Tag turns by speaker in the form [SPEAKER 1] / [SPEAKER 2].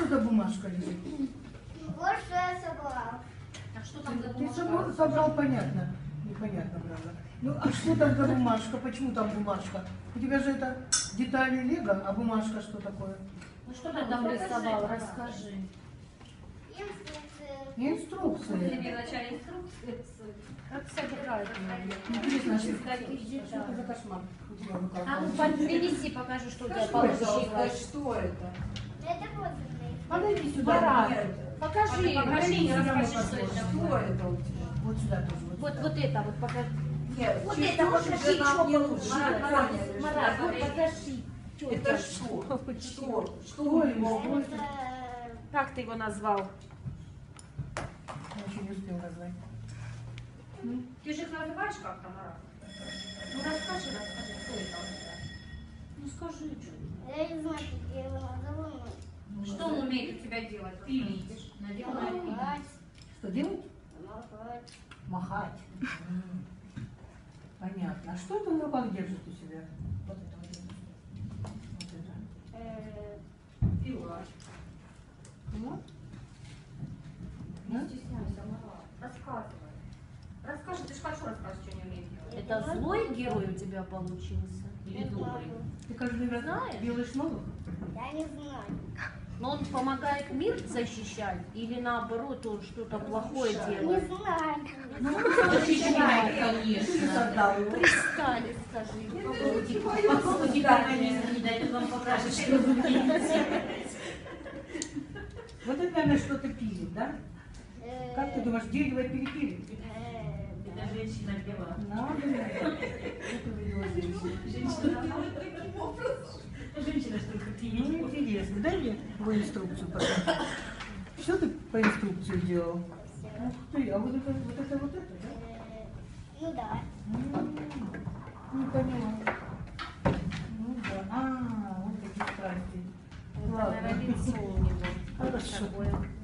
[SPEAKER 1] за бумажка лежит?
[SPEAKER 2] Вот что я собрал.
[SPEAKER 3] А что там за
[SPEAKER 1] Ты
[SPEAKER 3] бумажка?
[SPEAKER 1] собрал, понятно. Непонятно, правда. Ну, а что там за бумажка? Почему там бумажка? У тебя же это детали лего, а бумажка что такое?
[SPEAKER 3] Ну что ты там рисовал? Расскажи.
[SPEAKER 2] Инструкции.
[SPEAKER 1] Инструкции.
[SPEAKER 3] Мне вначале инструкции. Как собирать?
[SPEAKER 1] Интересно, что
[SPEAKER 3] Каких
[SPEAKER 1] это
[SPEAKER 3] деталей?
[SPEAKER 1] за кошмар у тебя в руках?
[SPEAKER 3] А ну принеси, покажи, что у тебя
[SPEAKER 4] Скажи, пожалуйста,
[SPEAKER 3] получилось.
[SPEAKER 4] что это?
[SPEAKER 2] Это подлинный.
[SPEAKER 1] Подойди сюда.
[SPEAKER 3] Марат, покажи,
[SPEAKER 1] Покажи,
[SPEAKER 3] и
[SPEAKER 1] я
[SPEAKER 3] расскажи,
[SPEAKER 1] вам
[SPEAKER 3] что
[SPEAKER 1] покажу.
[SPEAKER 3] это.
[SPEAKER 4] Что это у тебя?
[SPEAKER 1] Вот сюда тоже.
[SPEAKER 3] Вот это вот покажи.
[SPEAKER 4] Нет,
[SPEAKER 3] Вот
[SPEAKER 4] чуть
[SPEAKER 3] это вот
[SPEAKER 4] лучше
[SPEAKER 3] покажи,
[SPEAKER 4] нам
[SPEAKER 3] что
[SPEAKER 4] не
[SPEAKER 3] получилось.
[SPEAKER 4] лучше.
[SPEAKER 3] Марат,
[SPEAKER 4] Поняли,
[SPEAKER 3] Марат,
[SPEAKER 4] что
[SPEAKER 3] вот
[SPEAKER 4] это?
[SPEAKER 3] покажи.
[SPEAKER 4] Это что? Что
[SPEAKER 1] Ой,
[SPEAKER 4] его?
[SPEAKER 1] ой.
[SPEAKER 2] Это...
[SPEAKER 3] Как ты его назвал?
[SPEAKER 1] Я еще не успел назвать.
[SPEAKER 3] Ты же их называешь как-то, Марат? Ну расскажи, что это у тебя. Ну скажи, что.
[SPEAKER 2] Я не знаю, как я его назову.
[SPEAKER 3] Что он умеет у тебя делать? Ты видишь. Надел на это.
[SPEAKER 2] Махать.
[SPEAKER 1] Что делать?
[SPEAKER 2] Махать.
[SPEAKER 1] Махать. Понятно. А что это в руках держит у себя? Вот это вот. Вот это.
[SPEAKER 3] Пила.
[SPEAKER 1] Вот.
[SPEAKER 3] Не стесняйся, Марат. Рассказывай. Расскажи, ты же хорошо рассказываешь, что не умеешь делать.
[SPEAKER 5] Это злой герой у тебя получился? Или
[SPEAKER 2] Не
[SPEAKER 5] добрый?
[SPEAKER 2] знаю.
[SPEAKER 1] Ты каждый раз
[SPEAKER 5] Знаешь?
[SPEAKER 1] делаешь новых?
[SPEAKER 2] Я не знаю.
[SPEAKER 5] Но он помогает мир защищать? Или наоборот, он что-то плохое
[SPEAKER 2] Не
[SPEAKER 5] делает?
[SPEAKER 2] знаю.
[SPEAKER 3] Защищай,
[SPEAKER 1] Ты
[SPEAKER 3] конечно.
[SPEAKER 1] создал его.
[SPEAKER 5] Пристали, скажи.
[SPEAKER 3] Попробуйте механизм, не дайте вам покажет, что вы
[SPEAKER 1] Вот это, наверное, что-то пилит, да? Как ты думаешь, дерево перепилит?
[SPEAKER 3] Это женщина пила.
[SPEAKER 1] Надо. Это видела женщина.
[SPEAKER 3] Женщина что-то
[SPEAKER 1] Ну, интересно. Дай мне твою инструкцию, пожалуйста. Что ты по инструкции делал? Ух ты, а вот это, да?
[SPEAKER 2] Ну да.
[SPEAKER 1] Не поняла. Ну да. Вот такие страсти.
[SPEAKER 5] Это, наверное, лицо у него.
[SPEAKER 1] Хорошо.
[SPEAKER 5] Такое.